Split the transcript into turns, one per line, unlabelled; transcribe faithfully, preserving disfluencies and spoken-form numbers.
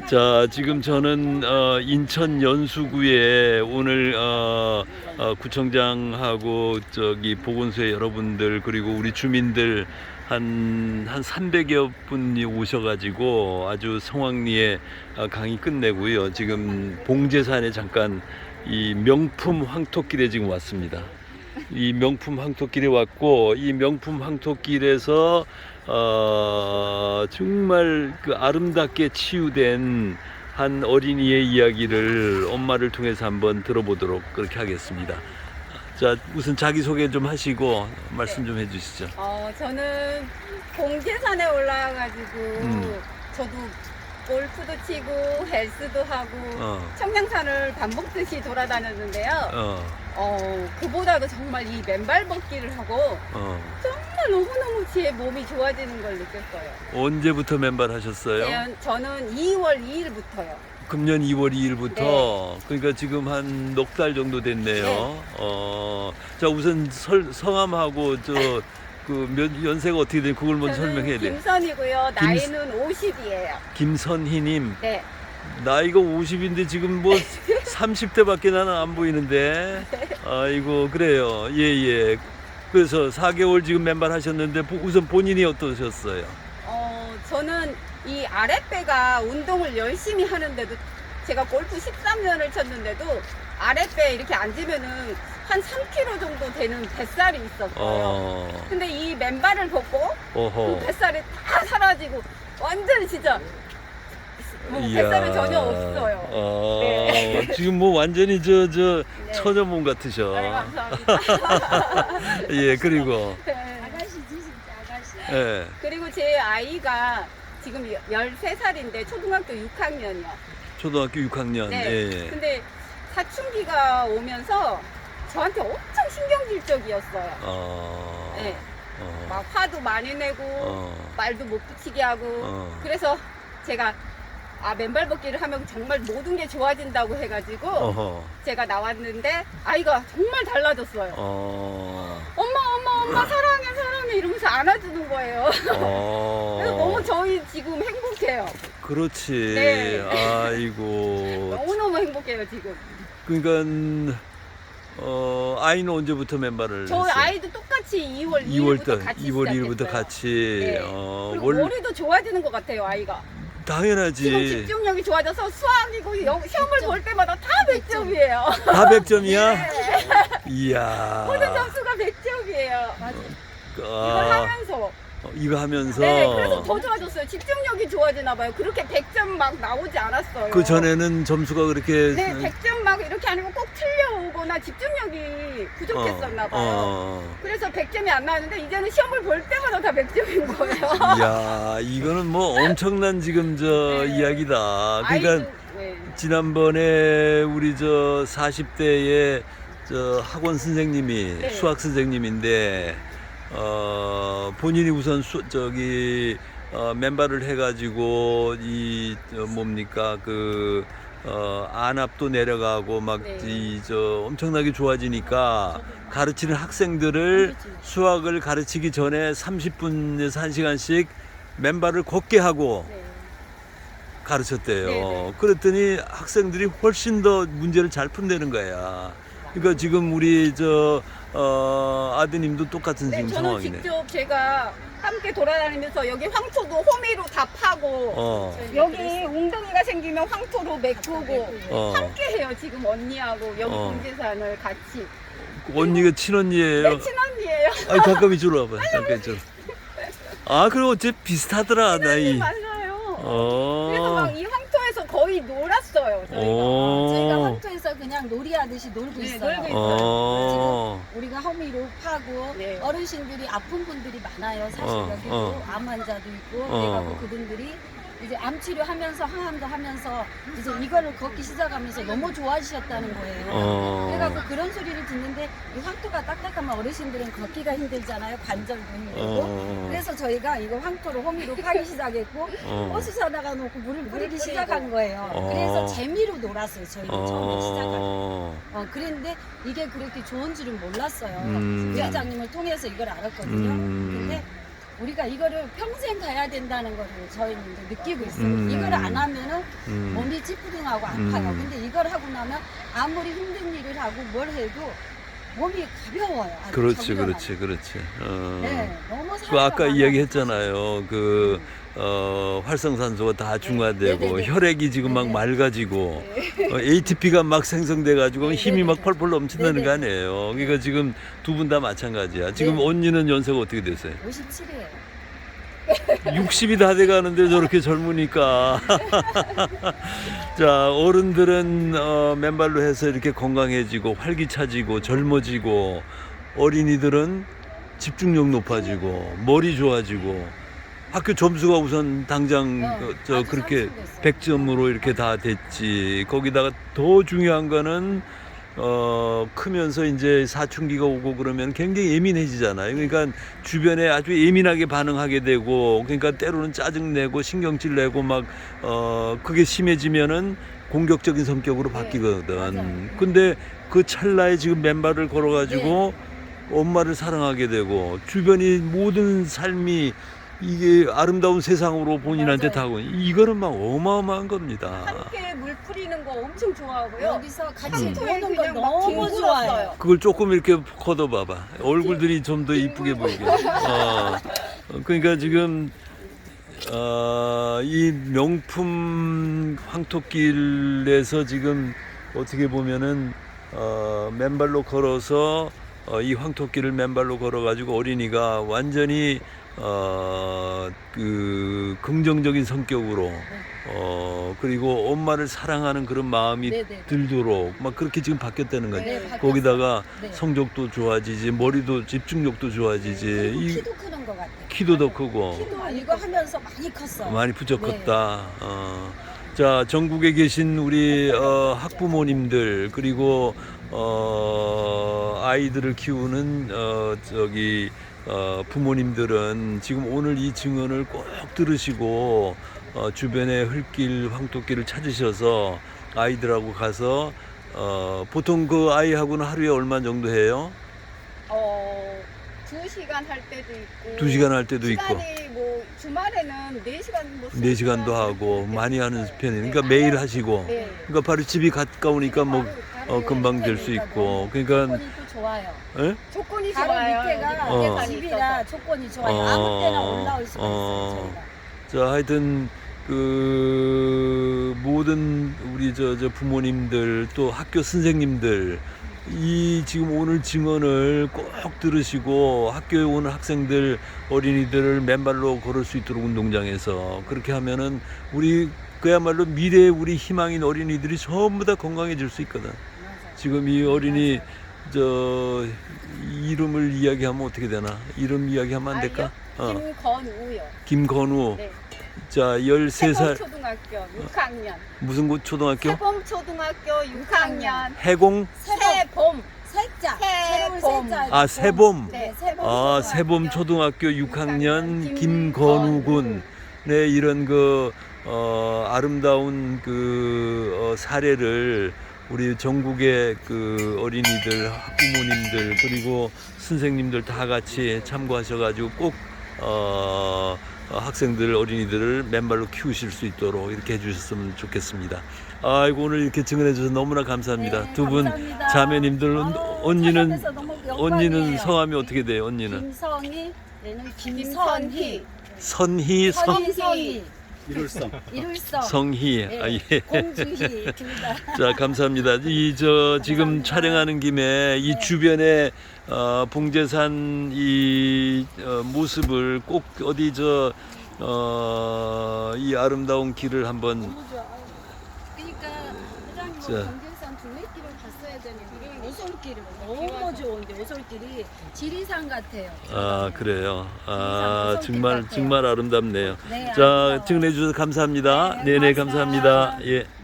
자, 지금 저는 어, 인천 연수구에 오늘 어, 어, 구청장하고 저기 보건소의 여러분들 그리고 우리 주민들 한, 한 삼백여 분이 오셔가지고 아주 성황리에 어, 강의 끝내고요. 지금 봉제산에 잠깐 이 명품 황토길에 지금 왔습니다. 이 명품 황토길에 왔고 이 명품 황토길에서 어, 정말 그 아름답게 치유된 한 어린이의 이야기를 엄마를 통해서 한번 들어보도록 그렇게 하겠습니다. 자, 우선 자기소개 좀 하시고 말씀 좀 해주시죠.
어, 저는 봉제산에 올라와가지고
음.
저도 골프도 치고 헬스도 하고
어.
청량산을 밥 먹듯이 돌아다녔는데요.
어,
어, 그보다도 정말 이 맨발 걷기를 하고
어.
정말 너무너무 제 몸이 좋아지는 걸 느꼈어요.
언제부터 맨발 하셨어요?
제- 저는 이월 이일부터요.
금년 이월 이일부터.
네.
그러니까 지금 한 넉 달 정도 됐네요.
네.
어, 자, 우선 설, 성함하고 저 그 연세가 어떻게 되는지 그걸 먼저 설명해야 돼요.
김선이고요.
김-
나이는 오십이에요.
김선희님,
네.
나이가 오십인데 지금 뭐 삼십 대밖에 나는 안 보이는데. 아이고, 그래요. 예, 예. 그래서 사 개월 지금 맨발 하셨는데 보- 우선 본인이 어떠셨어요?
어, 저는 이 아랫배가 운동을 열심히 하는데도 제가 골프 십삼 년을 쳤는데도 아랫배에 이렇게 앉으면은 한 삼 킬로그램 정도 되는 뱃살이 있었어요.
어,
근데 이 맨발을 벗고
어허.
그 뱃살이 다 사라지고 완전 진짜 뭐
이야.
뱃살은 전혀 없어요.
어,
네.
지금 뭐 완전히 저, 저
네.
처녀몸 같으셔.
네, 감사합니다.
예, 그리고,
네.
아가씨지 진짜 아가씨.
예,
그리고 제 아이가 지금 열세 살인데 초등학교 육 학년이요.
초등학교 육 학년.
네.
예, 예.
근데 사춘기가 오면서 저한테 엄청 신경질적이었어요.
어,
네.
어,
막 화도 많이 내고
어,
말도 못 붙이게 하고
어.
그래서 제가 아 맨발 걷기를 하면 정말 모든 게 좋아진다고 해가지고
어허,
제가 나왔는데 아이가 정말 달라졌어요.
어,
엄마 엄마 엄마 사랑해 사랑해 이러면서 안아주는 거예요.
어.
그래서 너무 저희 지금 행복해요.
그렇지.
네.
아이고.
너무너무 행복해요 지금.
그러니까 어 아이는 언제부터 맨발을
저
했어요?
아이도 똑같이 이월
이월
이일부터
달,
같이
이월 일일부터
시작했어요.
같이.
네.
어,
그리고
원
머리도 좋아지는 것 같아요 아이가.
당연하지.
지금 집중력이 좋아져서 수학이고 영, 시험을 볼 때마다 다 백 점이에요.
다 백 점이야?
네.
이야.
모든 점수가 백 점이에요.
맞아.
이걸
아,
하면서.
어, 이거 하면서
네, 그래서 더 좋아졌어요. 집중력이 좋아지나 봐요. 그렇게 백 점 막 나오지 않았어요.
그 전에는 점수가 그렇게
네, 백 점 막 이렇게 아니면 꼭 틀려오거나 집중력이 부족했었나 봐요.
어.
그래서 백 점이 안 나왔는데 이제는 시험을 볼 때마다 다 백 점인 거예요.
이야, 이거는 뭐 엄청난 지금 저
네.
이야기다. 그러니까
아이도, 네.
지난번에 우리 저 사십 대의 저 학원 선생님이
네.
수학 선생님인데 어 본인이 우선 수, 저기 어 맨발을 해가지고 이 저 뭡니까 그 어 안압도 내려가고 막 이
네.
저 엄청나게 좋아지니까 가르치는 학생들을 수학을 가르치기 전에 삼십 분에서 한 시간씩 맨발을 걷게 하고
네.
가르쳤대요.
네네.
그랬더니 학생들이 훨씬 더 문제를 잘 푼다는 거야. 그러니까 지금 우리 저 어, 아드님도 똑같은
네,
지금
저는
상황이네.
직접 제가 함께 돌아다니면서 여기 황토도 호미로 다 파고
어,
여기 웅덩이가 생기면 황토로 메꾸고
어.
함께 해요 지금 언니하고 여기
어.
봉제산을 같이.
언니가 친언니예요.
네, 친언니예요.
아니 잠깐 이쪽으로 와봐. 잠깐 이쪽으로. 아 그리고 어째 비슷하더라 나이.
맞아요.
어.
그래서 막 이 황토에서 거의 놀았어요 저희가.
어.
저희가 황토에서 그냥 놀이하듯이 놀고
네,
있어요.
놀고 있어요.
어.
지금 우리가 허미로 파고
네.
어르신들이 아픈 분들이 많아요. 사실
어,
여기도
어.
암 환자도 있고
어.
그래갖고 그분들이 이제 암 치료하면서 항암도 하면서 이제 이거를 걷기 시작하면서 너무 좋아지셨다는 거예요.
어.
그래갖고 그런 소리를 듣는데 이 황토가 딱딱하면 어르신들은 걷기가 힘들잖아요. 관절도 힘들고.
어.
그래서 저희가 이거 황토로 호미로 파기 시작했고
어.
버스 사다가 놓고 물을 뿌리기 시작한 거예요.
어.
그래서 재미로 놀았어요. 저희는 처음에 시작할 때.
어.
어, 그랬는데 이게 그렇게 좋은 줄은 몰랐어요.
음.
부회장님을 통해서 이걸 알았거든요.
음.
근데 우리가 이거를 평생 가야 된다는 거를 저희는 이제 느끼고 있어요.
음.
이걸 안 하면은
음.
몸이 찌뿌둥하고 아파요.
음.
근데 이걸 하고 나면 아무리 힘든 일을 하고 뭘 해도 몸이 가벼워요. 아주
그렇지,
정정하고.
그렇지, 그렇지. 어.
네, 너무
그
사회가
아까
많아요.
이야기했잖아요. 그 어, 활성산소가 다 중화되고
네네네.
혈액이 지금 막
네네.
맑아지고 어, 에이티피가 막 생성돼가지고
네네네.
힘이 막 펄펄 넘친다는 거
네네.
아니에요. 그러니까 지금 두 분 다 마찬가지야. 지금
네.
언니는 연세가 어떻게 되세요?
오십칠이에요.
육십이 다 돼가는데 저렇게 젊으니까. 자, 어른들은 어, 맨발로 해서 이렇게 건강해지고 활기차지고 젊어지고, 어린이들은 집중력 높아지고 머리 좋아지고 학교 점수가 우선 당장
어,
어, 저
아주
그렇게
상승됐어요.
백 점으로 이렇게 다 됐지. 거기다가 더 중요한 거는 어 크면서 이제 사춘기가 오고 그러면 굉장히 예민해지잖아요. 그러니까 주변에 아주 예민하게 반응하게 되고, 그러니까 때로는 짜증 내고 신경질 내고 막 어 그게 심해지면은 공격적인 성격으로
네,
바뀌거든.
맞아요.
근데 그 찰나에 지금 맨발을 걸어가지고 엄마를 사랑하게 되고 주변이 모든 삶이 이게 아름다운 세상으로 본인한테
맞아요.
다가오고, 이거는 막 어마어마한 겁니다.
함께 물 뿌리는 거 엄청 좋아하고요.
여기서 같이
음.
노는 거
그냥 막
너무
뒹굴었어요.
좋아요.
그걸 조금 이렇게 걷어봐봐. 얼굴들이 좀 더 이쁘게 보이게. 어, 그러니까 지금 어, 이 명품 황토길에서 지금 어떻게 보면은 어, 맨발로 걸어서 어, 이 황토길을 맨발로 걸어가지고 어린이가 완전히 어, 그 긍정적인 성격으로 어, 그리고 엄마를 사랑하는 그런 마음이
네네.
들도록 막 그렇게 지금 바뀌었다는 거지.
네, 바뀌었어요.
거기다가
네.
성적도 좋아지지, 머리도 집중력도 좋아지지,
그리고
이
키도 크는 것 같아요.
키도 더 크고
키도 이거 하면서 많이 컸어요.
많이 부쩍
네.
컸다. 어. 자, 전국에 계신 우리 어, 학부모님들, 그리고 어, 아이들을 키우는 어, 저기 어, 부모님들은 지금 오늘 이 증언을 꼭 들으시고 어, 주변에 흘길, 황토길을 찾으셔서 아이들하고 가서 어, 보통 그 아이하고는 하루에 얼마 정도 해요?
어, 두 시간 할 때도 있고.
두 시간 할 때도 있고.
시간이 뭐 주말에는 네 시간 뭐
네 시간도 하고 많이 하는 편이에요. 그러니까 매일 하시고.
네.
그러니까 바로 집이 가까우니까 뭐 어, 금방 될 수 있고. 그러니까
조건이 또 좋아요.
예?
조건이
바로
좋아요.
밑에가
어.
계산이
집이라
있어서.
조건이 좋아요.
어.
아무 때나 올라올 수가
어.
있어요. 저희가.
자, 하여튼 그 모든 우리 저, 저 부모님들, 또 학교 선생님들, 이 지금 오늘 증언을 꼭 들으시고 학교에 오는 학생들, 어린이들을 맨발로 걸을 수 있도록 운동장에서 그렇게 하면은 우리 그야말로 미래의 우리 희망인 어린이들이 전부 다 건강해질 수 있거든.
맞아요.
지금 이 어린이 저 이름을 이야기하면 어떻게 되나? 이름 이야기하면 안 될까? 어.
김건우요.
김건우.
네.
자, 열세 살.
세범초등학교 육 학년.
무슨 곳 초등학교?
세범초등학교 육 학년.
해공?
세범.
살짝
세봄.
새로운 살짝.
아, 세봄.
네.
세봄.
아,
초등학교.
세봄 초등학교 육 학년
김건우
김건우 군.
군.
네, 이런 그 어, 아름다운 그 어, 사례를 우리 전국의 그 어린이들, 학부모님들, 그리고 선생님들 다 같이 참고하셔가지고 꼭 어, 어, 학생들, 어린이들을 맨발로 키우실 수 있도록 이렇게 해주셨으면 좋겠습니다. 아이고, 오늘 이렇게 증언해 주셔서 너무나 감사합니다.
네,
두 분
감사합니다.
자매님들, 언-
아유,
언니는
찾아뵈서 너무
언니는
영광이에요.
성함이 어떻게 돼요? 언니는
김성희, 얘는 김선희,
김선희.
선희, 성,
선희, 선희,
이룰성.
이룰성,
성희.
네,
아, 예.
공주희 둘 다.
자, 감사합니다. 이 저 지금
감사합니다.
촬영하는 김에 이 주변에 어, 봉제산 이 어, 모습을 꼭 어디 저 어, 이 아름다운 길을 한번
너무 좋아. 그러니까 회장님
자.
경계산 둘레길을 갔어야 되는데 오솔길을 너무 좋은데 오솔길이 지리산 같아요.
아, 그래요. 아,
지리산
정말
오솔길 같아요.
정말 아름답네요.
네,
자,
아름다워요.
증언해 주셔서 감사합니다.
네,
네, 네,
고맙습니다.
감사합니다. 예.